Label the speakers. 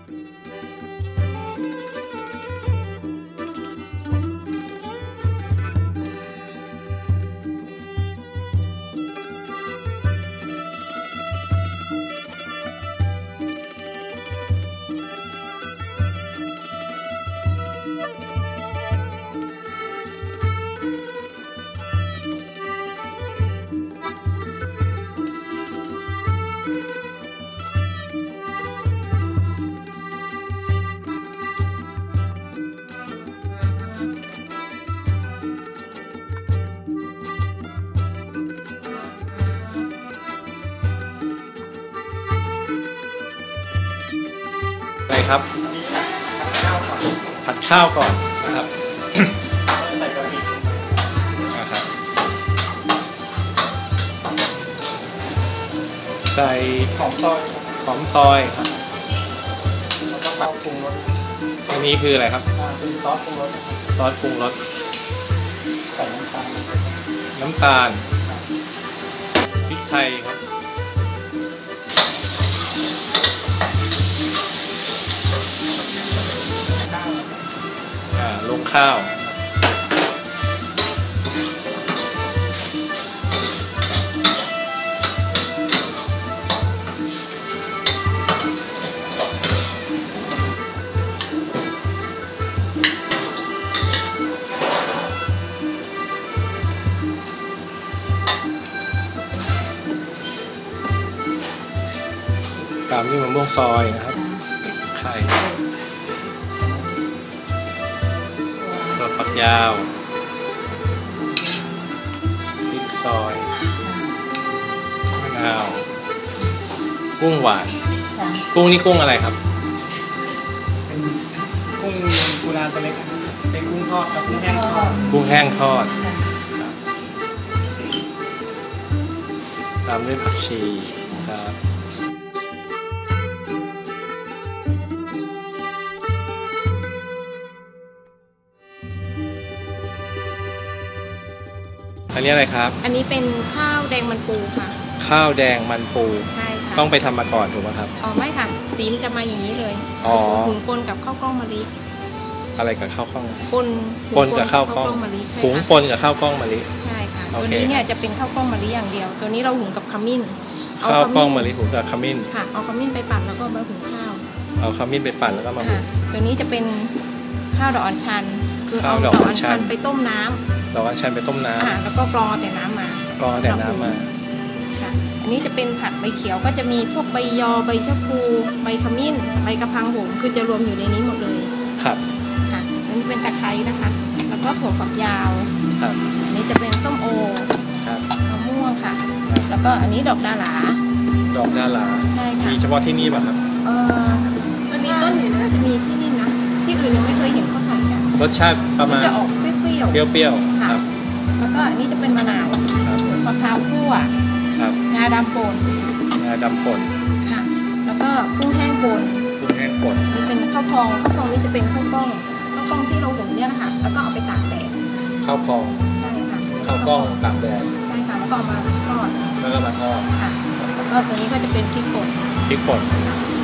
Speaker 1: ครับผัดข้าวก่อนนะครับ
Speaker 2: ใส่กะปิ
Speaker 1: นะครับใส่
Speaker 2: หอมซอย
Speaker 1: ครับ
Speaker 2: แล้วก็ข้าวปรุงรส
Speaker 1: อันนี้คืออะไรครับ
Speaker 2: เป็นซอสปรุงรส
Speaker 1: ซอสปรุงรส
Speaker 2: ใส่น้ำตาล
Speaker 1: พริกไทยครับลงข้าวตามด้วยมะม่วงซอยนะครับไข่ถั่วฝักยาวพริกซอยมะนาวกุ้งหวานกุ้งนี่กุ้งอะไรครับ
Speaker 2: เป็นกุ้งกุลาตัวเล็กเป็นกุ้งทอดกับกุ้งแห้งทอด
Speaker 1: ตามด้วยผักชีครับอันนี้อะไรครับ
Speaker 3: อันนี้เป็นข้าวแดงมันปูค่ะ
Speaker 1: ข้าวแดงมันปู
Speaker 3: ใช่ค่ะ
Speaker 1: ต้องไปทำมาก่อนถูกไหมครับ
Speaker 3: อ๋อไม่ค่ะสีมันจะมาอย่างนี้เลยหุงปนกับข้าวกล้องมะลิ
Speaker 1: อะไรกับข้าวกล้อง
Speaker 3: ปนกับข้าวกล้องมะลิ
Speaker 1: หุงปนกับข้าวกล้องมะลิ
Speaker 3: ใช่ค่ะตัวนี้เนี่ยจะเป็นข้าวกล้องมะลิอย่างเดียวตัวนี้เราหุงกับขมิ้น
Speaker 1: ข้าวกล้องมะลิหุงกับขมิ้น
Speaker 3: ค่ะเอาขมิ้นไปปั่นแล้วก็มาหุงข้าว
Speaker 1: เอาขมิ้นไปปั่นแล้วก็มาหุง
Speaker 3: ตัวนี้จะเป็นข้าวดอกอัญชันคือเอาดอกอัญชันไปต้มน้ำ
Speaker 1: ดอกอัญชันไปต้มน้ำ
Speaker 3: แล้วก็กรอแต่น้ำมาค่ะอันนี้จะเป็นผักใบเขียวก็จะมีพวกใบยอใบชะพูใบขมิ้นใบกระพังโหมคือจะรวมอยู่ในนี้หมดเลย
Speaker 1: ครับ
Speaker 3: ค่ะอันนี้เป็นตะไคร้นะคะแล้วก็ถั่วฝักยาว
Speaker 1: ครับ
Speaker 3: อันนี้จะเป็นส้มโอ
Speaker 1: ครับ
Speaker 3: มะม่วงค่ะแล้วก็อันนี้ดอกดาหลาใช่ค่ะ
Speaker 1: มีเฉพาะที่นี่ป่ะครับ
Speaker 3: มันมีต้นอยู่นะจะมีที่นี่นะที่อื่นยังไม่เคยเห็นเขาใส่กัน
Speaker 1: รสชาติประมาณ
Speaker 3: จะออกเปรี้ยว
Speaker 1: ๆครับ
Speaker 3: แล้วก็อันนี้จะเป็นมะนาวมะพร้าวคั่วงาดำป่นค่ะแล้วก็กุ้งแห้งป่นนี่เป็นข้าวพองนี่จะเป็นข้าวกล้องที่เราหุงเนี่ยค่ะแล้วก็เอาไปตากแดด
Speaker 1: ข้าวพอง
Speaker 3: ใช่ค่ะ
Speaker 1: ข้าวกล้องตากแดด
Speaker 3: ใช่ค่ะแล้วก็เอามาทอด
Speaker 1: ค่ะแล้วก็ตัวนี้ก็จะเป็นพริกป่น